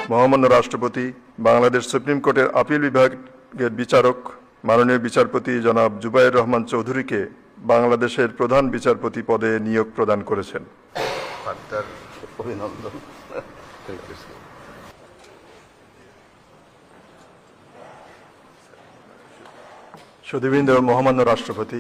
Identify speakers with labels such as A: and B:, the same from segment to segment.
A: মহামান্য রাষ্ট্রপতি বাংলাদেশ সুপ্রিম কোর্টের আপিল বিভাগের বিচারক মাননীয় বিচারপতি জনাব জুবায়ের রহমান চৌধুরীকে বাংলাদেশের প্রধান বিচারপতি পদে নিয়োগ প্রদান করেছেন।
B: অভিনন্দন।
A: সুধীবৃন্দ, মহামান্য রাষ্ট্রপতি,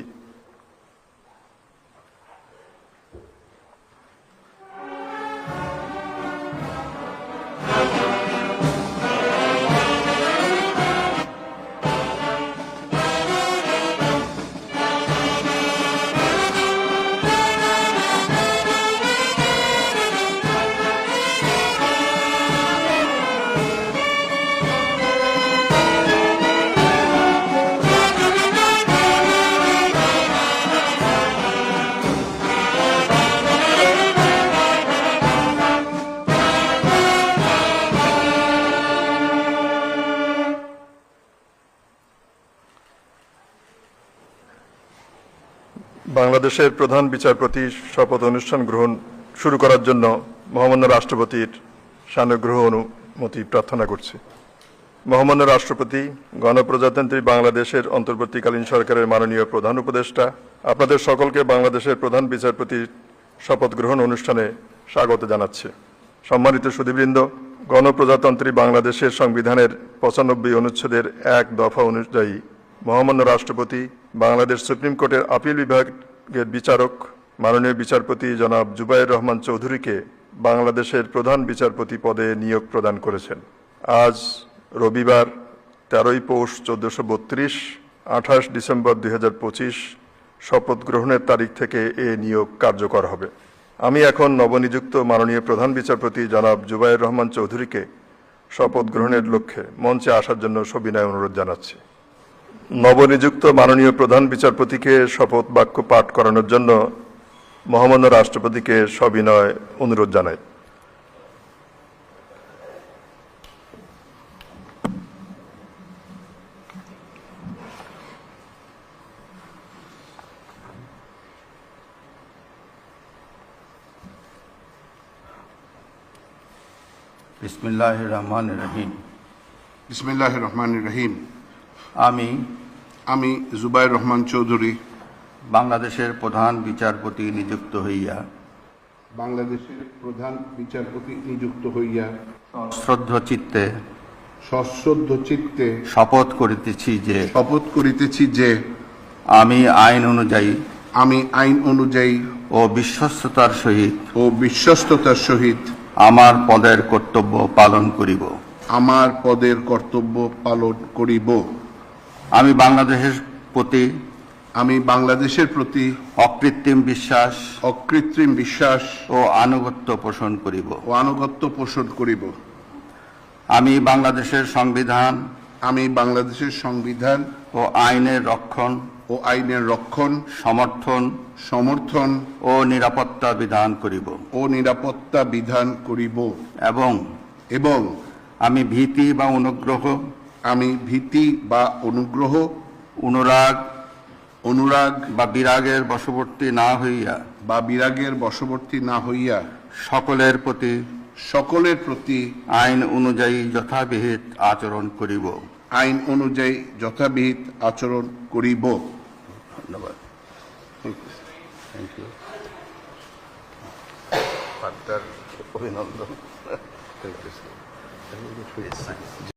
A: বাংলাদেশের প্রধান বিচারপতির শপথ অনুষ্ঠান গ্রহণ শুরু করার জন্য মহামান্য রাষ্ট্রপতির সানুগ্রহ অনুমতি প্রার্থনা করছি। মহামান্য রাষ্ট্রপতি, গণপ্রজাতন্ত্রী বাংলাদেশের অন্তর্বর্তীকালীন সরকারের মাননীয় প্রধান উপদেষ্টা, আপনাদের সকলকে বাংলাদেশের প্রধান বিচারপতির শপথ গ্রহণ অনুষ্ঠানে স্বাগত জানাচ্ছি। সম্মানিত সুধীবৃন্দ, গণপ্রজাতন্ত্রী বাংলাদেশের সংবিধানের 95 অনুচ্ছেদের 1 দফা অনুযায়ী মহামান্য রাষ্ট্রপতি বাংলাদেশ সুপ্রিম কোর্টের আপিল বিভাগের বিচারক মাননীয় বিচারপতি জনাব জুবায়ের রহমান চৌধুরীকে বাংলাদেশের প্রধান বিচারপতি পদে নিয়োগ প্রদান করেছেন। আজ রবিবার 13 পৌষ 1432, 28 ডিসেম্বর 2025 শপথ গ্রহণের তারিখ থেকে এ নিয়োগ কার্যকর হবে। আমি এখন নবনিযুক্ত মাননীয় প্রধান বিচারপতি জনাব জুবায়ের রহমান চৌধুরীকে শপথ গ্রহণের লক্ষ্যে মঞ্চে আসার জন্য সবিনয় অনুরোধ জানাচ্ছি। নবনিযুক্ত মাননীয় প্রধান বিচারপতিকে শপথ বাক্য পাঠ করানোর জন্য মহামান্য রাষ্ট্রপতিকে সবিনয় অনুরোধ জানাই।
B: বিসমিল্লাহির রহমানির রহিম।
C: বিসমিল্লাহির রহমানির রহিম।
B: আমি
C: জুবায়ের রহমান চৌধুরী
B: বাংলাদেশের প্রধান বিচারপতি নিযুক্ত হইয়া সশ্রদ্ধ চিত্তে শপথ করিতেছি যে আমি আইন অনুযায়ী ও বিশ্বস্ততার সহিত আমার পদের কর্তব্য পালন করিব। আমি বাংলাদেশের প্রতি অকৃত্রিম বিশ্বাস ও আনুগত্য পোষণ করিব। আমি বাংলাদেশের সংবিধান ও আইনের রক্ষণ সমর্থন ও নিরাপত্তা বিধান করিব এবং আমি ভীতি বা অনুরাগ বা বিরাগের বশবর্তী না হইয়া সকলের প্রতি আইন অনুযায়ী যথাবিহিত আচরণ করিব। ধন্যবাদ।
C: অভিনন্দন।